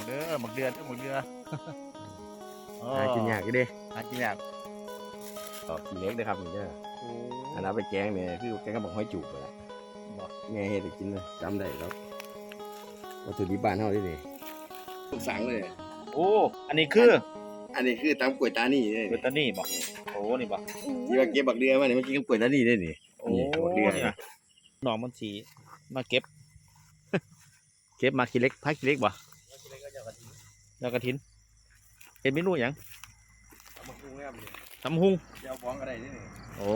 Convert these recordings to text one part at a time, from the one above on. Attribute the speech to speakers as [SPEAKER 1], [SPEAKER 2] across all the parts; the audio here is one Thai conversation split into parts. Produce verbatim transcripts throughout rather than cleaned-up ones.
[SPEAKER 1] องเด้อหมึกเดือดหมึกเดือ
[SPEAKER 2] หากินยากอยู่เด้
[SPEAKER 1] หากินยาก
[SPEAKER 2] ก็กินเล็กเลยครับนี่เด้ออันนั้นไปแกงเนี่ยคือแกงกระบอกห้อยจูบไปแหละแม่เฮ็ดให้กินเลยจำได้แล้ววัตถุดิบบ้านเฮาได้นี่ทุกสังเลย
[SPEAKER 1] โอ้อันนี้คือ
[SPEAKER 2] อันนี้คือตำกล้วยตานี่
[SPEAKER 1] กล้วยตานี่บอกโอ้นี่บอก
[SPEAKER 2] ที่ว่าเก็บบักเดือมาเนี่ยมันกินกับกล้วยตานี่ได้นี่
[SPEAKER 1] โอ้บักเดือเนี่ยน้องมันสีมาเก็บเก็บมาขี้เล็กพักขี้เล็กบ่ยอกระถินเห็นเมนูอย่าง
[SPEAKER 2] ตำหุ้งครับ
[SPEAKER 1] ตำหุ้ง
[SPEAKER 2] เจ้าบ้องอะไรนี่
[SPEAKER 1] โอ้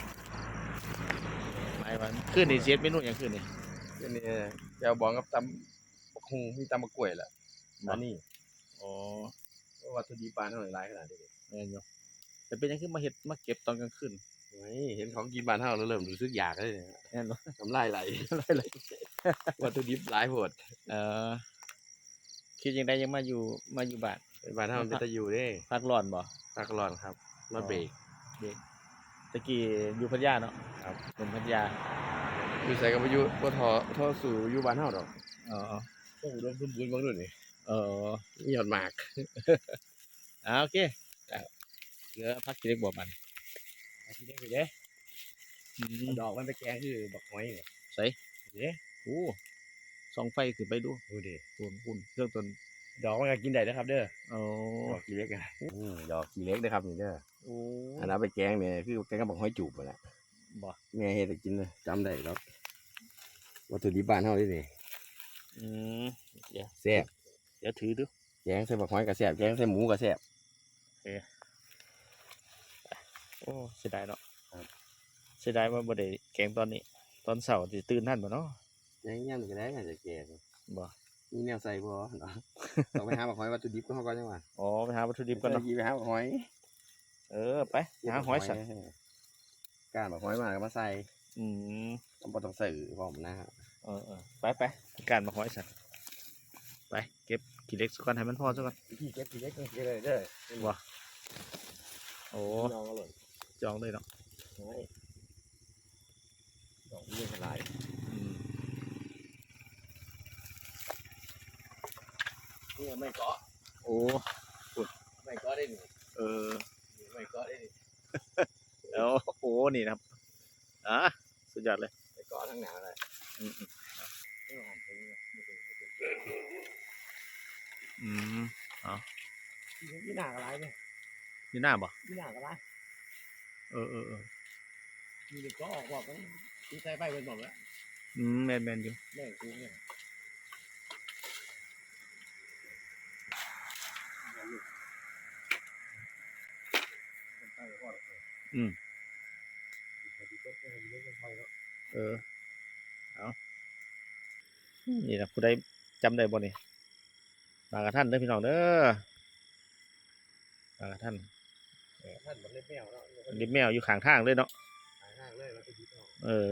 [SPEAKER 1] ไม่วันขึ้นนี่เสียเมนูอย่างขึ้นนี่
[SPEAKER 2] ขึ้นนี่เจ้าบ้องกับตำบักหุ้งมีตำบักกล้วยแหละตานี่
[SPEAKER 1] โอ้
[SPEAKER 2] วัตถุดิบบ้านเฮาหลายขนาดนี้
[SPEAKER 1] แม่นอยู่แต่เป็นยังขึ้นมาเห็ดมาเก็บตอนกลางคืน
[SPEAKER 2] เห็นของกินบ้านเฮาแล้วเริ่มรู้สึกอยากเลย
[SPEAKER 1] แน่นอน
[SPEAKER 2] น้ำลายไหล
[SPEAKER 1] น้ำลายไหล
[SPEAKER 2] วัตถุดิบหลายโพด
[SPEAKER 1] เออคิดยังได้ยังมาอยู่มาอยู่บ้าน
[SPEAKER 2] บ้านเฮาเป็นตะอยู่เด้
[SPEAKER 1] พักร้อนบ่
[SPEAKER 2] พักร้อนครับมาเบรก
[SPEAKER 1] เบรกตะกี้อยู่พัทยาเนาะ
[SPEAKER 2] ครับ
[SPEAKER 1] หนุ่มพัทยา
[SPEAKER 2] อยู่ใส่กับอยู่บ่ทอทอสู่อยู่บ้านเฮาดอก
[SPEAKER 1] อ๋อ
[SPEAKER 2] โอ้อุดมสมบูรณ์บ่นู่นนี่
[SPEAKER 1] เออ
[SPEAKER 2] มียอดหมาก
[SPEAKER 1] อ่าโอเคเหลือพักกินเล็กบ่มัน
[SPEAKER 2] พักกินเล็กไปเด้ดอกมันไปแกงคือบักหอยนี่
[SPEAKER 1] ใส่เด้โอ้ส่องไฟขึ้นไปดู
[SPEAKER 2] ดูดิ
[SPEAKER 1] ตัวคุณเครื่องตน
[SPEAKER 2] ดอกมันก็กินได้นะครับเด้อ
[SPEAKER 1] โอ้
[SPEAKER 2] ดอกขี้เล็กอ่ะอือดอกขี้เล็กนะครับนี่เด้อ
[SPEAKER 1] โอ้
[SPEAKER 2] อันนั้นไปแกงเนี่ยคือแกงกับบักหอยจูบนั่นแหละ
[SPEAKER 1] บ่
[SPEAKER 2] แม่เฮ็ดให้กินเลยจำได้แล้ววัตถุดิบบ้านเฮาได้นี่
[SPEAKER 1] อืมเดี๋ยว
[SPEAKER 2] แซ่บ
[SPEAKER 1] เดี๋ยวถือดู
[SPEAKER 2] แกงใส่บักหอยก็แซ่บแกงใส่หมูก็แซ่บ
[SPEAKER 1] โอเคโอ้เสียดายเนาะเสียดายว่าบ่ได้แกงตอนนี้ตอนเช้าสิตื่นทันบ่เนาะ
[SPEAKER 2] ยังยามก็ได้น่าจะแกง
[SPEAKER 1] บ่
[SPEAKER 2] มีแนวใส่บ่เนาะต้องไปหาบักหอยวัตถุดิบก็เฮาก่อนจังหวะ
[SPEAKER 1] อ๋อไปหาวัตถุดิบก่อนเนาะ
[SPEAKER 2] ไปหาบักหอย
[SPEAKER 1] เออไปหาหอยสัตว์
[SPEAKER 2] ก้านบักหอยมาก็มาใส่
[SPEAKER 1] อืม
[SPEAKER 2] ต้องบ่ต้องใส่พร้อมนะฮะ
[SPEAKER 1] เออๆไปไปการบักหอยสัตว์ไปเก็บขี้เล็กสักก่อนให้มันพอสักก่อน
[SPEAKER 2] ขี้เก็บขี้เล็กก็เลยเด้อ
[SPEAKER 1] บ่โอ้จองเลยเนาะ
[SPEAKER 2] ดอกนี้หลายนี่ไม่เกาะ
[SPEAKER 1] โอ้
[SPEAKER 2] ขุดไม่เกาะได้หนึ่ง
[SPEAKER 1] เออ
[SPEAKER 2] ไม่เกาะได้หนึ่ง
[SPEAKER 1] แล้วโอ้นี่นะครับอ่ะสุดยอดเลย
[SPEAKER 2] ไม่เกาะทั้งหนาเลย
[SPEAKER 1] อืมอืมอ๋อ
[SPEAKER 2] ยี่หน้าอะไรเนี่ย
[SPEAKER 1] ยี่หน้าบ่
[SPEAKER 2] ยี่หน้าอะไร
[SPEAKER 1] เออเออเออ
[SPEAKER 2] มีเด็กก็ออกบอกกันที่ใส่ไปเป็นหมดแล้ว
[SPEAKER 1] อืมแมนแมนอยู่
[SPEAKER 2] แม่กูเนี่ย
[SPEAKER 1] อืมเออเอานี่นะผู้ใดจำได้บ่นี่บางกระท่านเด้อพี่น้องเด้อบางกระท่าน
[SPEAKER 2] ท่านมันเล็บแมวเนาะ
[SPEAKER 1] เล็บแมวอยู่ข้างทางเลยเนาะ
[SPEAKER 2] ข้างทางเลยแล้วไปยึดเอา
[SPEAKER 1] เออ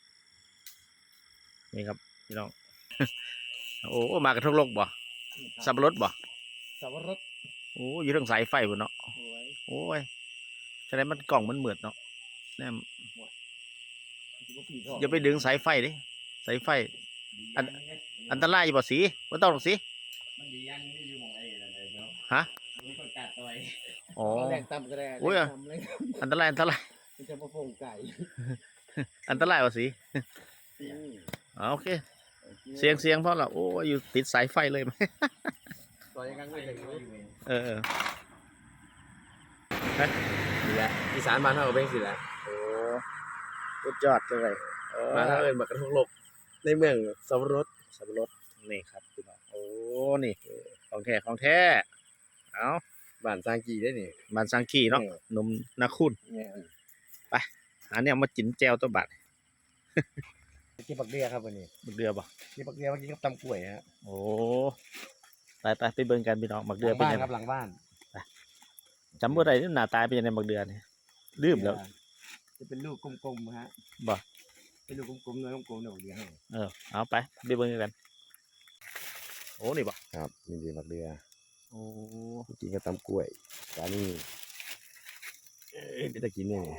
[SPEAKER 1] นี่ครับพี่น้องโอ้มากระทงโลกบ่สับปะรดบ่
[SPEAKER 2] สับปะรด
[SPEAKER 1] โอ้อยู่ทางสายไฟบ่เนาะโอ้ยแสดงมันกล่องมันเหมือดเนาะแน่อย่าไปดึงสายไฟดิสายไฟอันอันตรายอยู่บ่สีบ่ต้องหรอกสิ
[SPEAKER 2] มันดียังไม่อยู่มองไอ้อะไรเนาะ
[SPEAKER 1] ฮะ
[SPEAKER 2] มีคนกัดตัวไอ้
[SPEAKER 1] อ๋อ
[SPEAKER 2] แรงต่ำก็ได้
[SPEAKER 1] โอ้ยอันตรายอันตราย
[SPEAKER 2] มันจะมาโผล่ไก่
[SPEAKER 1] อันตรายบ่สีอ๋อโอเคเสียงเสียงเพราะเราโอ้อยู่ติดสายไฟเลยไหม
[SPEAKER 2] ตัวยังกังไม่ถึง
[SPEAKER 1] เออ
[SPEAKER 2] นี่แหละอีสานบ้านเราเป็นสิแหละ
[SPEAKER 1] โอ้สุดยอดเลย
[SPEAKER 2] บ้านเราเป็นแบบกระทงโลกในเมืองสับปะรด
[SPEAKER 1] สับปะรดนี่ครับพี่น้องโอ้นี่ของแท้ของแท้เอา
[SPEAKER 2] บ้านซางกีได้นี่
[SPEAKER 1] บ้านซางกีเนาะนมนาคุณไปหาเนี่ยมาจิ้นแจวตัวบัด
[SPEAKER 2] กินบักเดือครับวันนี้
[SPEAKER 1] บักเดือบ่
[SPEAKER 2] กินบักเดือเมื่อกี้ก็ตำกล้วยฮะ
[SPEAKER 1] โอ้ไปไปไปเบิ่งกันพี่น้องบักเดือเป็นยังไง
[SPEAKER 2] ครับหลังบ้าน
[SPEAKER 1] จำบ่ได้หน้าตาเป็นยังไงบักเดือนี่ลืมแล้ว
[SPEAKER 2] จะเป็นลูกกลมๆฮะ
[SPEAKER 1] บ่
[SPEAKER 2] เป็นลูกกลมๆเนื้อกลมๆเนื้อบักเดือ
[SPEAKER 1] เออเอาไปไปเบิ่งกันโอ้นี่บ่
[SPEAKER 2] ครับนี่ดีบักเดือ
[SPEAKER 1] โอ้
[SPEAKER 2] กินก็ตำกล้วยจานนี้ไม่ได้กินเนี่ย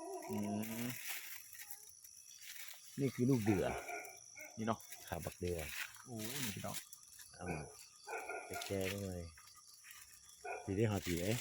[SPEAKER 2] นี่คือลูกเดือ
[SPEAKER 1] นี่เนาะ
[SPEAKER 2] ขาบักเดือ
[SPEAKER 1] โอ้นี่พี่น้อง
[SPEAKER 2] เอาช่ได้ไหมสีที่หอสีเอ้ย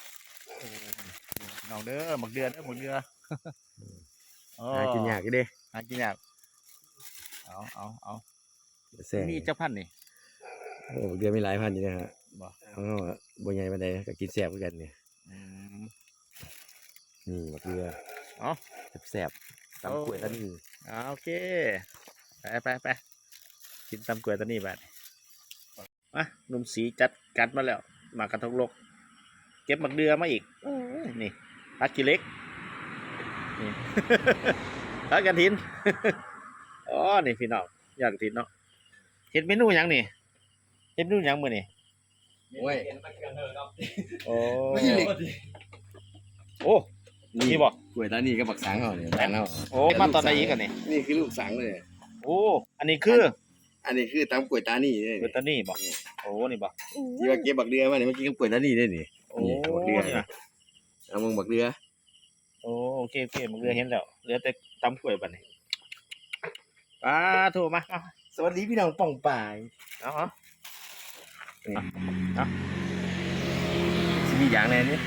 [SPEAKER 1] น้องเด้อหมักเดือเด้อหมักเดือโอ้
[SPEAKER 2] หากินยากอีเด้
[SPEAKER 1] หากินยากเอาเอาเอา
[SPEAKER 2] แซ่
[SPEAKER 1] มีเจ้าพันธุ์นี่
[SPEAKER 2] โอ้เดือนมีหลายพันอยู่นะฮะ
[SPEAKER 1] บ่
[SPEAKER 2] เขาก็บ่ใหญ่ปานใดก็กินแซ่บเหมือนกันเนี่ย
[SPEAKER 1] อืม
[SPEAKER 2] นี่มะเขือ
[SPEAKER 1] เอ๋อ
[SPEAKER 2] แซ่บๆตำกล้วยตานี
[SPEAKER 1] เอาโอเคไปไปไปกินตำกล้วยตัวนี้บัดอ่ะหนุ่มสีจัดกัดมาแล้วมากระทงลกเก็บหมักเดือมาอีกโอ้ยนี่พักกิเล็กนี่ พักกระถิน อ๋อนี่พี่น้องอยากกระถินเนาะเห็ดเมนูหยังนี่เห็ดเมนูหยังมื้อนี่
[SPEAKER 2] โอ้ย
[SPEAKER 1] โอ้
[SPEAKER 2] ไม่เหล็ก
[SPEAKER 1] โอ้นี่บ่
[SPEAKER 2] กล้วยตานีกับบักสังเขาเนี่ยบ้านเขา
[SPEAKER 1] โอ้มาตอนไหนอีกกันนี่
[SPEAKER 2] นี่คือลูกสังเลย
[SPEAKER 1] โอ้อันนี้คือ
[SPEAKER 2] อันนี้คือตำกล้วยตานีเนี่ย
[SPEAKER 1] เบอร์ตานี่บ่โอ้นี่บ่
[SPEAKER 2] ที่ว่าเก็บบักเดือมาเนี่ยเมื่อกี้ก็กล้วยตานีได้นี่
[SPEAKER 1] โอ้
[SPEAKER 2] นี่บักเดือ
[SPEAKER 1] นี่นะ
[SPEAKER 2] เอามึงบักเดือ
[SPEAKER 1] โอ้โอเคโอเคมันเรือเห็นแล้วเหลือแต่ตำกล้วยบัดนี้ป้าโทรมาเอา
[SPEAKER 2] สวัสดีพี่น้องป่องป่าย
[SPEAKER 1] เอาเอา
[SPEAKER 2] สิมีอย่างแน่นี่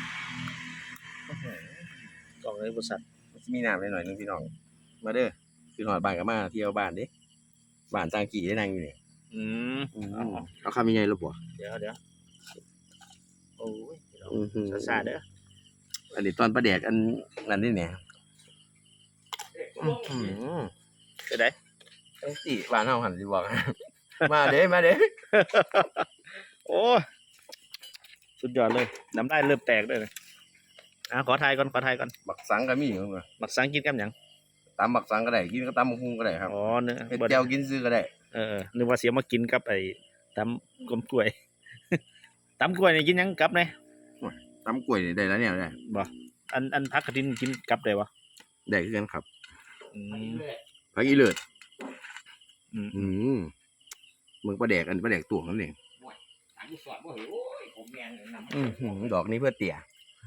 [SPEAKER 1] กล่องเลยบริษัท
[SPEAKER 2] สิมีน้ำหน่อยนึงพี่น้องมาเด้อคือหอดบ้านกับมาเที่ยวบ้านเด้บ้านจางกี่ได้นั่งอยู่นี่
[SPEAKER 1] อืมเอา
[SPEAKER 2] เอาคำยังไงลูกบ่
[SPEAKER 1] เดี๋ยวเดี๋ยวโอ้ย
[SPEAKER 2] อือหือ
[SPEAKER 1] ซาๆเด้อ
[SPEAKER 2] อันนี้ตอนประแดกอันนั้นนี่เนี่ย
[SPEAKER 1] ไปไหน
[SPEAKER 2] ไอ้ตีบ้านเฮาหันสิบอก มาเด้มาเด้
[SPEAKER 1] โอ้ยสุดยอดเลยน้ำได้เริ่มแตกเลยอ่ะขอทายก่อนขอทายก่อน
[SPEAKER 2] บักสังก็มีอยู่เนอะ
[SPEAKER 1] หมักสังกินกับหยัง
[SPEAKER 2] ตำบักสังก็ได้กินก็ตำบักหุ่งก็ได้ครับ
[SPEAKER 1] อ๋อเนื้อ
[SPEAKER 2] เฮ็ด
[SPEAKER 1] บ่
[SPEAKER 2] แจ่วกินซื้อก็ได้
[SPEAKER 1] เออนึกว่าเสียมากินกับไอ้ตำกลมกล้วย ตำกล้วยนี่กินหยังกับไหน
[SPEAKER 2] ตำกล้วยนี่ได้แล้วเนี่ยได้
[SPEAKER 1] บ่อันอันพักกระดินกินกับได้บ่
[SPEAKER 2] ได้คือกันครับ
[SPEAKER 1] อืม
[SPEAKER 2] ผักอีเลิศ
[SPEAKER 1] อืม
[SPEAKER 2] อืมมึงประแดกอันประแดกตวงนั่นเอง อือหือดอกนี้เพื่อเตี่ย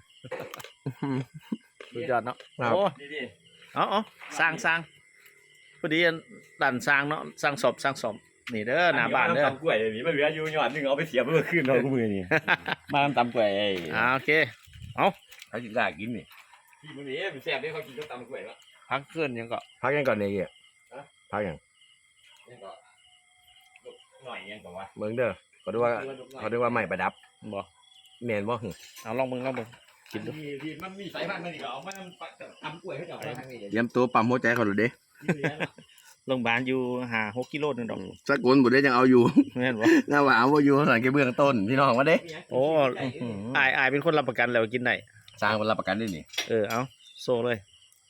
[SPEAKER 1] สุดยอดเนาะ
[SPEAKER 2] ครับ
[SPEAKER 1] โอ้เอาเอาสร้างสร้างพอดีอันดันสร้างเนาะสร้างศพสร้างศพนี่เด้อหน้าบ้านเด้อ
[SPEAKER 2] ตำกล้วยนี่มันเหลืออยู่หยอดนึงเอาไปเสียบเมื่อคืนเรามือนี่ มาตำกล้วยไอ้
[SPEAKER 1] อ่าโอเค
[SPEAKER 2] เขาจิกล้ากินนี่
[SPEAKER 3] ที่มันนี้มันแซ่บได้เขากินก็ตำกล้วยแล้ว
[SPEAKER 1] พักเกินยังก็
[SPEAKER 2] พักยังก่อนเนี่ยเกี่ยพักยัง
[SPEAKER 3] นี่ก็หน่อยยังก่อนวะ
[SPEAKER 2] เมืองเด้อเขาดูว่าเขาดูว่าไม่ประดับ
[SPEAKER 1] บ่
[SPEAKER 2] แมนบ่หึ
[SPEAKER 1] เอาลองมึงลองมึงกินดู
[SPEAKER 3] ที่ที่มันมีสายพันธุ์มันอีกเอามาตำกล้วยให้เจ้าทางนี้
[SPEAKER 2] เตรียมตัวปั๊มหัวใจเขาดูเด้
[SPEAKER 1] โรงพยาบาลอยู่ห้าหกกิโลนึงดอก
[SPEAKER 2] สักคนบุได้ยังเอาอยู่
[SPEAKER 1] แม่นบ่
[SPEAKER 2] หน้าหวานว่าอยู่หลังแกเบื้องต้นพี่น้องว่าเด้
[SPEAKER 1] โอ้อายอายเป็นคนรับประกันแล้วกินได้
[SPEAKER 2] สร้างคนรับประกันด้วยนี่
[SPEAKER 1] เออเอาโซ่เลย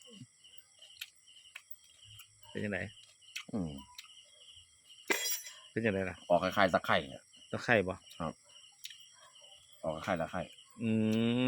[SPEAKER 1] เป็นยังไง
[SPEAKER 2] อืม
[SPEAKER 1] เป็นยังไงล่ะ
[SPEAKER 2] ออกคล้ายๆตะไคร่อะ
[SPEAKER 1] ตะไคร่บ่
[SPEAKER 2] ออกคล้ายๆตะไคร่
[SPEAKER 1] อืม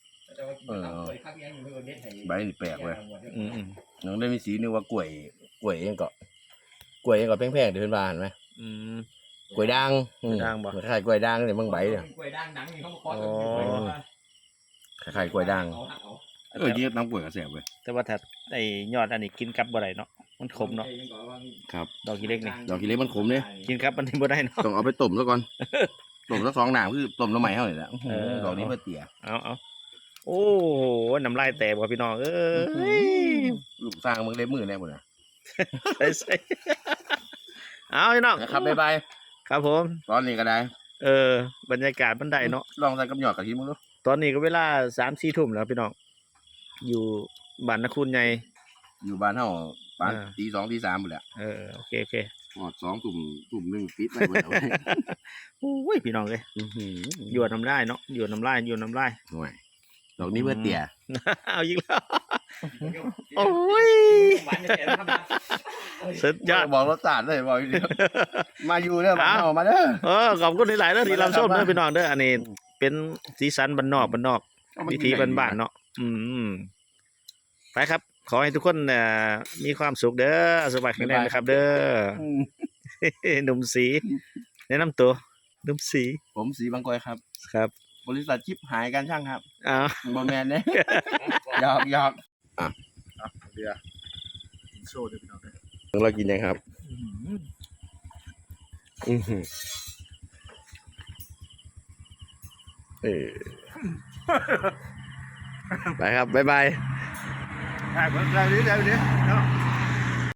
[SPEAKER 2] ใบนี่แปลกเว้ย
[SPEAKER 1] อืมอืม
[SPEAKER 2] น้องได้มีสีนึกว่ากล้วยกล้วยเองก็กล้วยเองก็แพงๆเดินบ้านไหม
[SPEAKER 1] อืม
[SPEAKER 2] กล้วยด่างอืม
[SPEAKER 1] กล้วยด่างบ่
[SPEAKER 2] คล้ายๆกล้วยด่างเนี่ยบางใบเนี่ย
[SPEAKER 3] กล้วยด่างดังนี่เขามาคอ
[SPEAKER 1] อ๋อ
[SPEAKER 2] คล้ายๆกล้วยด่าง
[SPEAKER 3] เอาเอา
[SPEAKER 2] เออจริงๆน้ำกล้วยก็แซ่บเว้ย
[SPEAKER 1] แต่ว่าถ้าไอ้ยอดอันนี้กินกับบ่ได้เนาะมันขมเนาะ
[SPEAKER 2] ครับ
[SPEAKER 1] ดอกกีเล็กนี่
[SPEAKER 2] ดอกขี้เหล็กมันขมเนี่ย
[SPEAKER 1] กินครับมันบ่ได้เนาะ
[SPEAKER 2] ต้องเอาไปต้มซะก่อน ต้มสักสองหนามคือต้มน้ำใหม่เท่าไหร่ละ
[SPEAKER 1] เออ
[SPEAKER 2] ดอกนี้เพื่อเตี่ย
[SPEAKER 1] เอาเอาโอ้โหน้ำลายแตกว่ะพี่น้องเอ้ย
[SPEAKER 2] ลูกสร้างมึงเล็บมือแน่หมดนะ
[SPEAKER 1] ใส่ใส่เอาพี่น้อง
[SPEAKER 2] นะครับบ๊ายบาย
[SPEAKER 1] ครับผม
[SPEAKER 2] ตอนนี้ก็ได้
[SPEAKER 1] เออบรรยากาศมันได้เนาะ
[SPEAKER 2] ลองใส่กับหยอดกะทิมึงดู
[SPEAKER 1] ตอนนี้ก็เวลาสามสี่ทุ่มแล้วพี่น้องอยู่บ้านนคุณใหญ่
[SPEAKER 2] อยู่บ้านเฮาปาน
[SPEAKER 1] อ่า
[SPEAKER 2] ตีสองตีสามหมดแหละ
[SPEAKER 1] เออโอเคโอเค
[SPEAKER 2] หอดสองตุ่มตุ่มหนึ่งปิดไว้หมดแล้ว
[SPEAKER 1] โอ้ยพี่น้องเลยหยวนน้ำลายเนาะหยวนน้ำลายหยวนน้ำลาย
[SPEAKER 2] หน่วยดอกนี้เพื่อเตี่ย
[SPEAKER 1] เอาอีกแล้วโอ้ยสุดยอด
[SPEAKER 2] บอกรสชาติเลยบอกอยู่เดียวมาอยู่เด้อบ้านเฮามาเด้อ
[SPEAKER 1] เออขอบคุณหลายๆเด้อที่รับชมเด้อพี่น้องเด้ออันนี้เป็นสีสันบ้านนอกบ้านนอก
[SPEAKER 2] เอามา
[SPEAKER 1] วิ
[SPEAKER 2] กิ
[SPEAKER 1] ธี
[SPEAKER 2] ได้
[SPEAKER 1] บ้านๆเนาะอืมไปครับ ขอให้ทุกคนเอ่อมีความสุขเด้อสบายแข็งแรงนะครับ เด้อ
[SPEAKER 2] อืม
[SPEAKER 1] หนุ่มสีแนะนำตัวหนุ่มสี
[SPEAKER 2] ผมสีบางกอยครับ
[SPEAKER 1] ครับ
[SPEAKER 2] บริษัทชิปหายการช่างครับ
[SPEAKER 1] อ้าว
[SPEAKER 2] บอแมนเนี่ยหยอกหยอก
[SPEAKER 1] เรือโซ่เด้อพี่น้องเด้อ
[SPEAKER 2] เรากินยังครับ อือหือเออไปครับบ๊ายบาย
[SPEAKER 4] ถ่ายคนเราดีเดี๋ยวนี้เนาะ